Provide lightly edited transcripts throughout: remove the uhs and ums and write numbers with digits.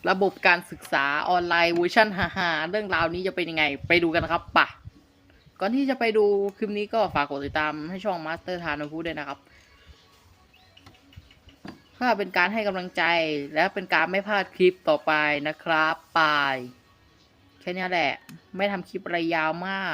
ระบบการศึกษาออนไลน์เวอร์ชันฮ่าๆเรื่องราวนี้จะเป็นยังไงไปดูกันครับป่ะก่อนที่จะไปดูคลิปนี้ก็ฝากกดติดตามให้ช่องมาสเตอร์ทานพูดด้วยนะครับเพื่อเป็นการให้กำลังใจและเป็นการไม่พลาดคลิปต่อไปนะครับไปแค่นี้แหละไม่ทำคลิปอะไรยาวมาก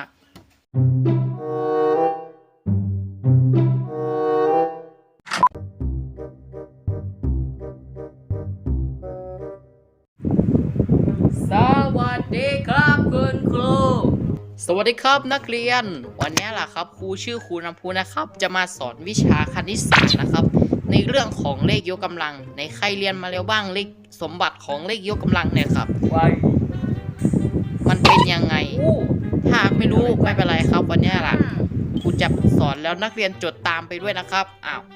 สวัสดีครับคุณครูสวัสดีครับนักเรียนวันนี้ล่ะครับครูชื่อครูน้ำพุนะครับจะมาสอนวิชาคณิตศาสตร์นะครับในเรื่องของเลขยกกำลังในใครเรียนมาแล้วบ้างเลขสมบัติของเลขยกกำลังเนี่ยครับมันเป็นยังไงถ้าไม่รู้ไม่เป็นไรครับวันนี้ล่ะครูจะสอนแล้วนักเรียนจดตามไปด้วยนะครับอ้าว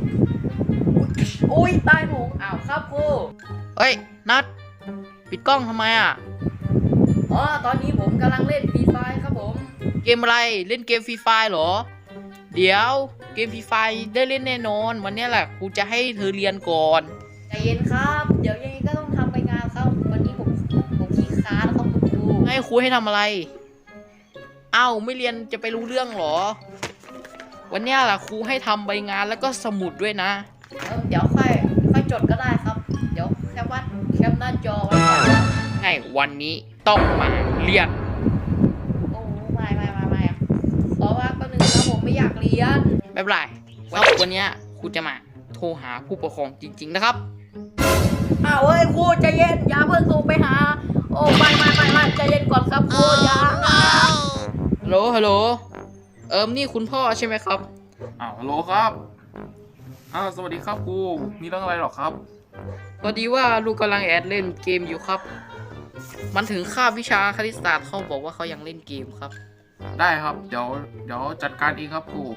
อุ้ยตายหงอ้าวครับครูเฮ้ยนัดปิดกล้องทำไมอ่ะอ๋อตอนนี้ผมกำลังเล่นฟรีไฟครับผมเกมอะไรเล่นเกมฟรีไฟเหรอเดี๋ยวเกมฟรีไฟได้เล่นแน่นอนวันนี้แหละครูจะให้เธอเรียนก่อนใจเย็นครับเดี๋ยวยังไงก็ต้องทำไปงานครับวันนี้ผมขี้ค้านครับคุณครูให้ครูให้ทำอะไรเอ้าไม่เรียนจะไปรู้เรื่องเหรอวันนี้แหละครูให้ทำใบงานแล้วก็สมุดด้วยนะเดี๋ยวค่อยจดก็ได้ครับเดี๋ยวแคปหน้าจอไว้ก่อนไงวันนี้ต้องมาเรียนโอ้ไม่ขอว่าก็หนึ่งครับผมไม่อยากเรียนไม่เป็นไรวันนี้ครูจะมาโทรหาผู้ปกครองจริงๆนะครับอ้าวเฮ้ยครูใจเย็นอย่าเพิ่งโทรไปหาโอ้ไม่ใจเย็นก่อนครับครูอย่าฮัลโหลนี่คุณพ่อใช่ไหมครับฮัลโหลครับสวัสดีครับครูมีเรื่องอะไรหรอครับพอดีว่าลูกกำลังแอดเล่นเกมอยู่ครับมันถึงคาบวิชาคณิตศาสตร์เขาบอกว่าเขายังเล่นเกมครับได้ครับเดี๋ยวจัดการเองครับครู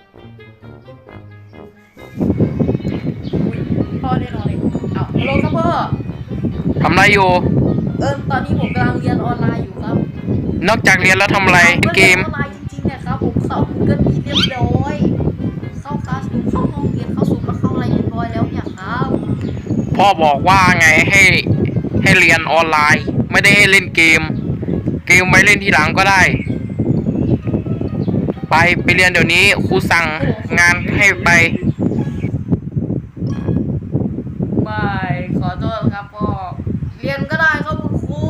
พ่อได้นอนเลยอ้าวฮัลโหลครับพ่อทำอะไรอยู่ตอนนี้ผมกำลังเรียนออนไลน์อยู่ครับนอกจากเรียนแล้วทำอะไรเกมออนไลน์จริงๆเนี่ยครับผมเข้าก็มีเรียบร้อยเข้าคลาสเข้าห้องเรียนเข้าซูมมาเข้าอะไรเรียบร้อยแล้วเนี่ยครับพ่อบอกว่าไงให้เรียนออนไลน์ไม่ได้ให้เล่นเกมไว้เล่นทีหลังก็ได้ไปเรียนเดี๋ยวนี้ครูสั่งงานให้ไปไม่ขอโทษครับพ่อเรียนก็ได้ครับคุณครู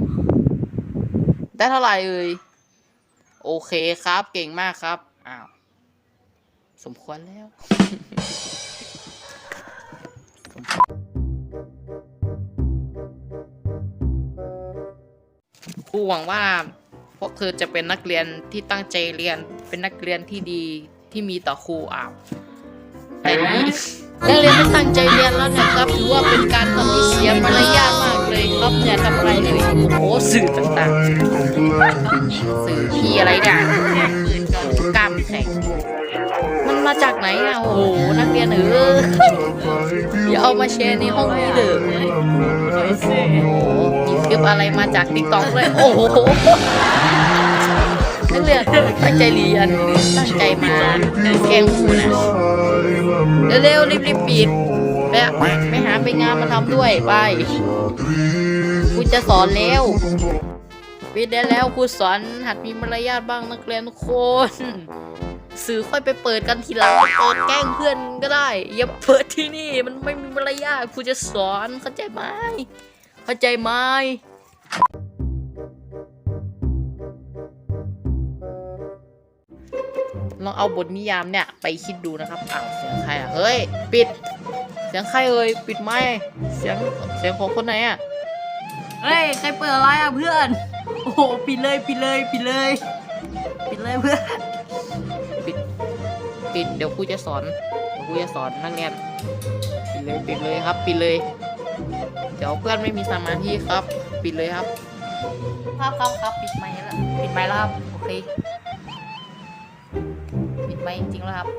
ได้เท่าไหร่โอเคครับเก่งมากครับอ้าวสมควรแล้ว ครูหวังว่าพวกเธอจะเป็นนักเรียนที่ตั้งใจเรียนเป็นนักเรียนที่ดีที่มีต่อครูแต่นี้นักเรียนไม่ตั้งใจเรียนแล้วนะครับถือว่าเป็นการทำที่เสียมารยาทมากเลยครับอย่าทำอะไรเลยโอ้สื่อต่างๆสื่อที่อะไรเนี่ยกล้ามแข็งมันมาจากไหนอ่ะโอ้โหนักเรียนอย่าเอามาแชร์ในห้องนี้เลยมีคลิปอะไรมาจากติ๊กต็อกเลยโอ้โหนักเรียนตั้งใจเรียนตั้งใจมาแกล้งครูนะเร็วๆรีบปิดไปหาไปงานมาทำด้วยไปครูจะสอนแล้วปิดได้แล้วครูสอนหัดมีมารยาทบ้างนักเรียนทุกคนสื่อค่อยไปเปิดกันทีหลังเปิดแกล้งเพื่อนก็ได้อย่าเปิดที่นี่มันไม่มีมารยาทครูจะสอนเข้าใจไหมลองเอาบทนิยามเนี่ยไปคิดดูนะครับอ้าวเสียงใครเฮ้ยปิดเสียงใครปิดไมค์เสียงของคนไหนเฮ้ยใครเปิดอะไรเพื่อนโอ้โหปิดเลยเพื่อนปิดเดี๋ยวครูจะสอนนักเรียนปิดเลยครับปิดเลยเดี๋ยวเพื่อนไม่มีสมาธิครับปิดเลยครับครับปิดไมค์แล้วครับโอเคปิดไมค์จริงๆแล้วครับ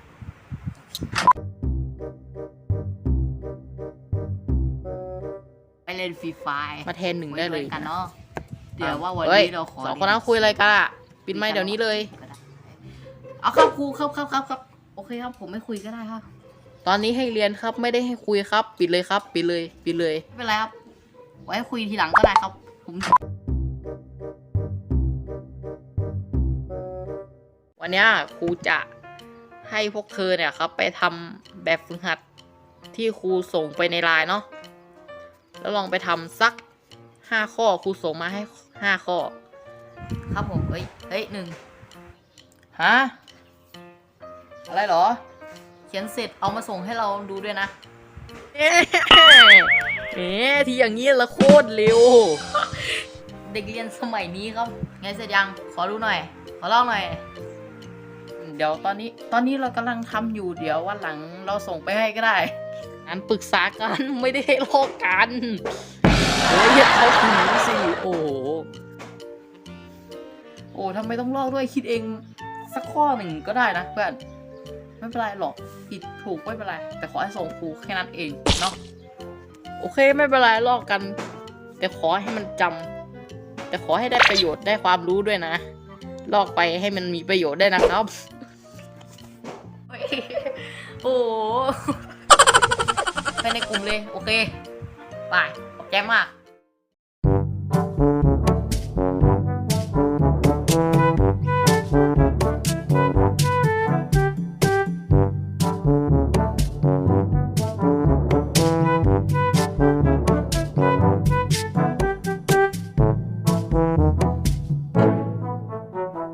ไปเล่นฟรีไฟมาแทนหนึ่งได้เลยกันเนาะเดี๋ยวว่าวันนี้เราขอสองคนนั้นคุยอะไรกันปิดไมค์เดี๋ยวนี้เลยเอาครับครูครับโอเคครับผมไม่คุยก็ได้ครับตอนนี้ให้เรียนครับไม่ได้ให้คุยครับปิดเลยครับปิดเลยไม่เป็นไรครับไว้คุยทีหลังก็ได้ครับผมวันนี้ครูจะให้พวกเธอเนี่ยครับไปทำแบบฝึกหัดที่ครูส่งไปในไลน์เนาะแล้วลองไปทำสัก5 ข้อครูส่งมาให้5 ข้อครับผมเฮ้ย1ฮะอะไรเหรอเขียนเสร็จเอามาส่งให้เราดูด้วยนะที่อย่างนี้ละโคตรเร็วเด็กเรียนสมัยนี้ครับไงเสร็จยังขอดูหน่อยขอลองหน่อยเดี๋ยวตอนนี้เรากำลังทำอยู่เดี๋ยววันหลังเราส่งไปให้ก็ได้งั้นปรึกษากันไม่ได้ให้ลอกกันอย่าเขาถึงสิโอ้ทำไมต้องลอกด้วยคิดเองสักข้อหนึ่งก็ได้นะเพื่อนไม่เป็นไรหรอกผิดถูกไม่เป็นไรแต่ขอให้ส่งครูแค่นั้นเองเนาะโอเคไม่เป็นไรลอกกันแต่ขอให้มันจำแต่ขอให้ได้ประโยชน์ได้ความรู้ด้วยนะลอกไปให้มันมีประโยชน์ได้นะครับโอ้ไปในกลุ่มเลยโอเคไปขอบใจมาก